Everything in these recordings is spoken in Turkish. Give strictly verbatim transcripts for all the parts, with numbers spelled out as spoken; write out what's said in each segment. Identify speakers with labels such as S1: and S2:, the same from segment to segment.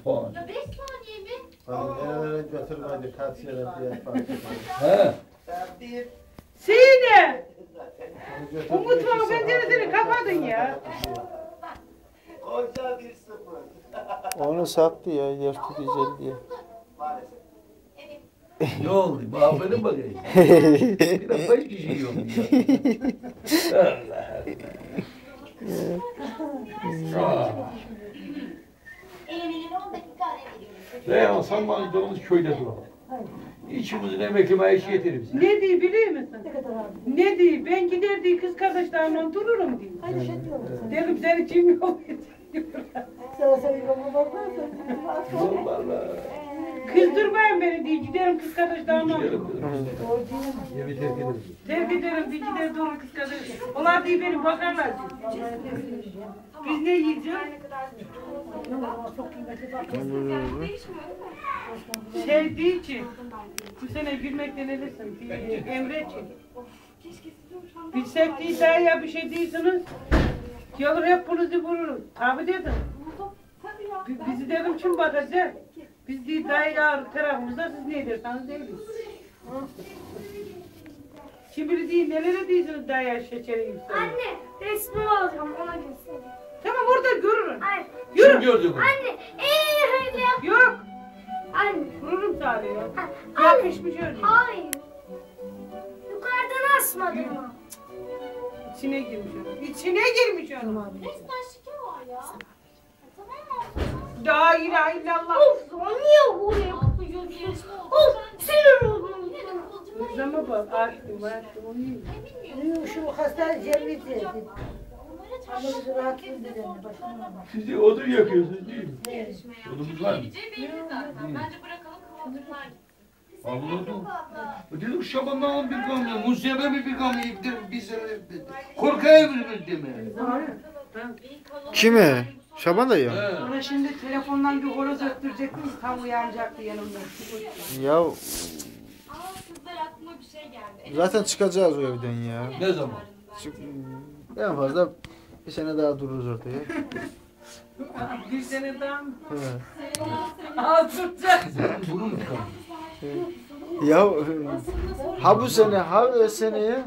S1: puan.
S2: Ya beş saniye mi?
S3: Hani nerelere götürmedi kaç yere diye fark ettim.
S1: He.
S4: Sine! O mutfağın penceresini kapadın ya.
S5: Koca bir sıfır.
S3: Onu sattı ya dört yüz elliye.
S5: Maalesef.
S1: Ne oldu? Bağırın bakayım. Bir de beş kişi yiyorum ya. Allah Allah.
S2: Eğlenelim on dakika ara veriyoruz.
S1: Reyhan Sanmancı'mız köyde duralım. İçimizin emekli maaşı yeter bize.
S4: Ne diyor biliyor musun? Ne diyor? Ben gider diye kız kardeşlerimle dururum diyor. Dedim seni kim yok
S1: Vallahi.
S4: Kızdırmayın beni diye giderim kız kardeşlerimle.
S1: Gidelim dedim. Evi terk ederiz.
S4: Terk ederim diye gider durur kız kardeş. Onlar diye beni bakarlar diyor. Biz ne yiyeceğiz? Sevdiği için bu sene gülmekten ölürsün. Emre için. Bilsek değil daha ya bir şey değilsiniz. Gelir hep bunuzu vururuz. Tabi dedim. B- Bizi dedim kim bakacak? Biz değil daha ya tarafımızda siz ne ederseniz değiliz. Şimdi değil nelere değilsiniz daha ya şeçeri yükseliyor.
S6: Anne, resmi alacağım ona göstereyim.
S4: Tamam orada görürüm.
S6: Hayır.
S1: Kim
S4: Yürü.
S1: gördü bunu?
S6: Anne, eee öyle yap.
S4: Yok.
S6: Anne.
S4: Vururum sadece.
S6: Anne.
S4: Yakışmış öyle.
S6: Hayır. Yukarıdan asmadım mı?
S4: İçine girmiş onu. İçine girmiş onu.
S2: Resmen şike var ya. Tamam mı?
S4: La ilahe illallah.
S6: Of, o niye buraya yapıyorsun? Of, sinir oldum.
S2: Yine de kıvılcımlar
S4: Kızıma bak. Açtım açtım onu yiyeyim.
S2: bilmiyorum.
S7: Şu hasta cemiyeti.
S2: Onlara
S7: Ama
S2: çarşı
S7: bizi rahatsız ediyor. Başına bak.
S1: Siz de odun yakıyorsunuz değil mi?
S2: yarışmaya.
S1: Odunumuz var mı?
S2: Geleceği belli zaten. Bence bırakalım kıvılcımlar gitsin.
S1: Anladım. Dedim Şaban'dan bir gamle, Musa'ya bir bir gamle iptir biz korkaya bir deme.
S3: Kime? Şaban dayı.
S1: He.
S4: Ona şimdi telefondan bir horoz öttürecektim. Tam uyanacaktı yanımda.
S3: Ya
S2: Ama kızlar aklıma bir şey geldi.
S3: zaten çıkacağız o evden ya.
S1: Ne zaman?
S3: Çık- En fazla bir sene daha dururuz ortaya.
S4: Bir sene daha mı?
S3: He.
S4: Aa tutacak.
S1: Bunu mu çıkalım?
S3: Ya ha bu sene ha o seneye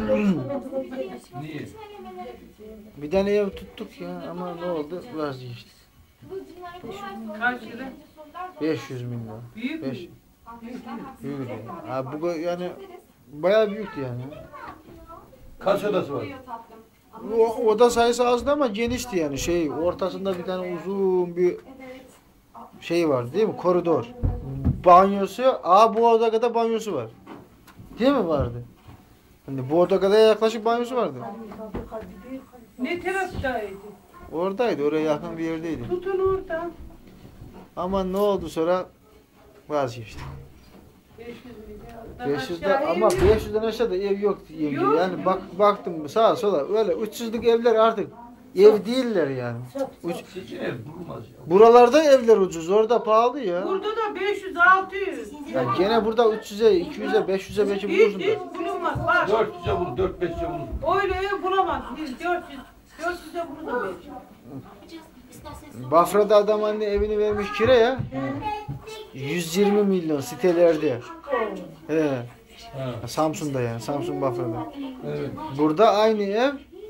S1: Niye?
S3: bir tane ev tuttuk ya ama ne oldu vazgeçtik.
S4: Kaç lira?
S3: beş yüz bin lira.
S4: Büyük mü?
S3: beş büyük yani. Ha bu yani bayağı büyüktü yani.
S1: Kaç odası var?
S3: O, oda sayısı azdı ama genişti yani şey ortasında bir tane uzun bir şey var değil mi koridor. Banyosu, aa bu oda kadar banyosu var. Değil mi vardı? Hani bu oda kadar yaklaşık banyosu vardı.
S4: Ne taraftaydı?
S3: Oradaydı, oraya yakın bir yerdeydi.
S4: Tutun oradan.
S3: Ama ne oldu sonra vazgeçtik.
S4: beş yüz lira.
S3: beş yüzden ama beş yüzden aşağıda ev yok yenge.
S4: Yok.
S3: Yani bak baktım sağa sola öyle üç yüzlük evler artık ev değiller yani. Üç,
S1: Sizin ev durmaz ya.
S3: buralarda evler ucuz, orada pahalı ya.
S4: Burada da beş yüz altı yüz.
S3: Ya gene burada üç yüze, iki yüze, beş yüze belki
S4: Hiç
S3: bulursun
S4: hiç
S3: da.
S4: bulunmaz. Bak.
S1: dört yüze bulur, dört beşe bulur.
S4: Öyle ev bulamaz. Biz dört yüz. dört yüze bulur beş.
S3: Bafra'da adam anne evini vermiş kiraya. yüz yirmi milyon sitelerde. He.
S1: Ha.
S3: Samsun'da yani, Samsun Bafra'da.
S1: Evet.
S3: Burada aynı ev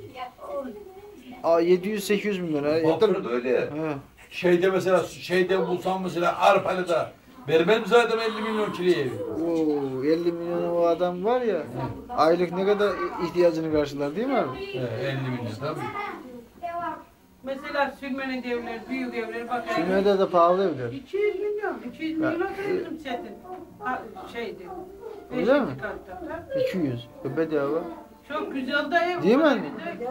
S3: yedi yüz sekiz yüz milyon. Ya da-
S1: Bafra'da öyle ya.
S3: He.
S1: Şeyde mesela, şeyde bulsam mesela Arpalı'da vermez mi zaten elli milyon kiraya evi?
S3: Oo, elli milyon o adam var ya. Aylık ne kadar ihtiyacını karşılar değil mi abi?
S1: He, elli milyon tabii.
S4: Mesela sürmenin evleri, büyük evleri bak.
S3: Sümeyye'de de pahalı evler.
S4: iki yüz milyon. iki yüz
S3: Ya,
S4: milyon bizim setin. Ha, şeydi.
S3: Öyle mi?
S4: beşinci katta.
S3: iki yüz. Bedava.
S4: Çok güzel de ev.
S3: Değil mi
S4: var
S3: anne?
S4: bir de.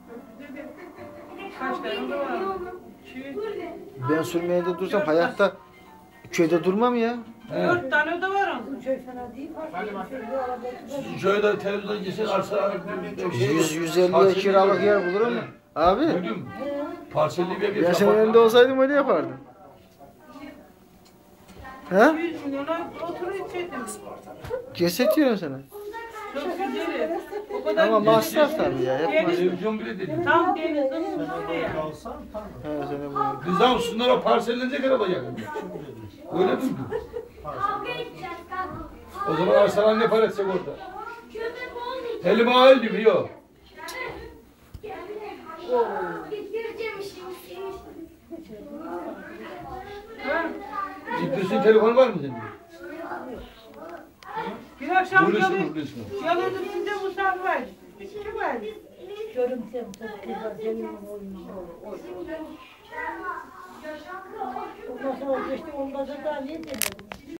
S4: Kaç tane de var? iki yüz.
S3: Ben Sürmeyye'de dursam hayatta köyde durmam ya.
S1: He.
S4: Dört tane de var onun.
S7: Köy fena değil.
S1: Sizin şöyle televizyonda gitsin arsa
S3: yüz yüz elliye kiralık yer bulurum mu? Abi.
S1: Duydun mu? Parselli bir ev
S3: Ya senin önünde olsaydım öyle yapardım. He?
S4: yüz milyona oturuyor içedim.
S3: Ceset diyorum sana.
S4: Çok güzel. O kadar
S3: Ama
S4: güzel.
S3: masraf tabii ya. Hep
S4: Deniz-
S3: masraf.
S1: Televizyon bile dedi.
S4: Tam denizin üstünde ya.
S3: He, seni bu.
S1: Rızam şunlara parsellenecek araba yakında. Öyle mi?
S2: Kavga edeceğiz kavga.
S1: O zaman arsalan ne para edecek orada?
S2: Köpek olmayacak.
S1: Elim ağır diyor.
S2: Bitireceğim işimi.
S4: Ha?
S1: İdris'in telefonu var mı senin?
S4: Bir akşam
S1: Buyursun,
S4: yalı,
S1: buyursun.
S4: yalıdım size Mustafa var. Kim var?
S7: Görümsem çok güzel. Senin oyunu. Ondan sonra geçti. Ondan sonra daha niye demedim.